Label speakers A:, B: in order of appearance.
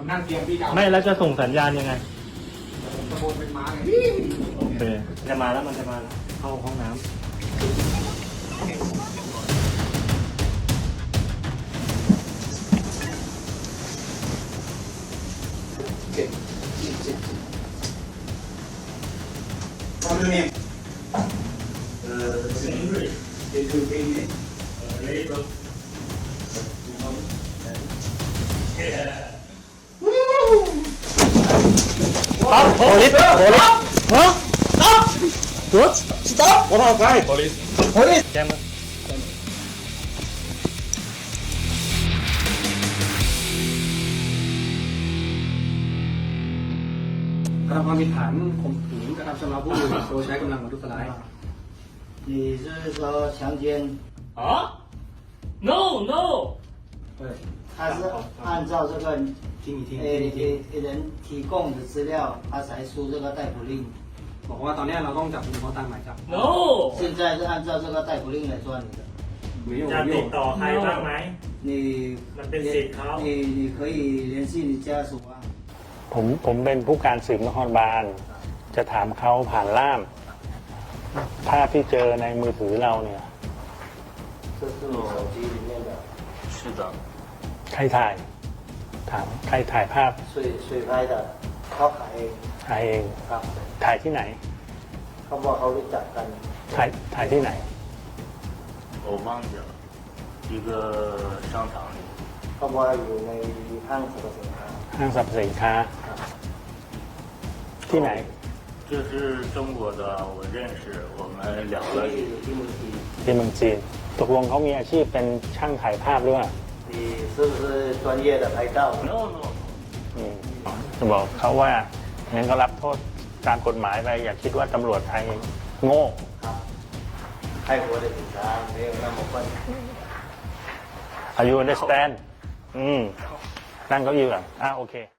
A: นั่งเตียงพี่เก่า
B: ไม่แล้วจะส่งสัญญาณยังไง
A: ตะโกนเป็นม้าไง
B: โอเคจะมาแล้วมันจะมาเข้าห้องน้ำ
A: ตอนนี้เสียงด้วยเด็กคือเพลงนี้
B: Stop! Police! Police! Huh? Stop! What? Stop! What outside? Police! Police! แจ้งมา
A: กระทำความผิดฐานข่มขืนกระทำชำเราผู้อื่นโดยใช้กำลังประทุษร้าย
C: 你是说强奸？
D: 啊？No No，
A: 对，
C: 他是按照这个
A: 听你听，
C: 人提供的资料，他才出这个逮捕令。
A: บอกว่าตอนนี้เราต้องจับกุมเขาตามหมายจับ
D: No，
C: 现在是按照这个逮捕令来抓你的。
A: 没有
B: จะ
A: 没
B: ติด
A: 有
B: ต่อใครบ้างไหม
C: 你
B: มันเป็นสิทธิ์เขา
C: 你可以联系你家属啊。
B: ผมเป็นผู้การสืบนครบาลจะถามเขาผ่านล่ามภาพที่เจอในมือถือเราเนี่ย
C: 这是你手机里面的。
D: 是的，
B: ใครถ่าย ถามใครถ่ายภาพ
C: 谁拍的？เขาขายเอง
B: ถ่ายเอง
C: ครับ
B: ถ่ายที่ไหน
C: เขาบอกเขารู้จักกัน
B: ถ่ายที่ไหน
D: 我忘记了，一个商场里。
C: เขาบอกอยู่ในห้างสรรพสินค้า
B: ห้างสรรพสินค้า ที่ไหน
D: 这是中国的，我认识，我们聊了。
C: ที่อยู่ที่เมืองจีน
B: ที่เมืองจีน ตกลงเขามีอาชีพเป็นช่างถ่ายภาพด้วย
C: 你是不是专业的拍照？
D: No No，
B: จะบอกเขาว่างั้นก็รับโทษตามกฎหมายไป อย่าคิดว่าตำรวจไทยโง่
C: 泰国的警察没有那么笨。
B: Are you understand นั่งเก้าอี้ก่อนโอเค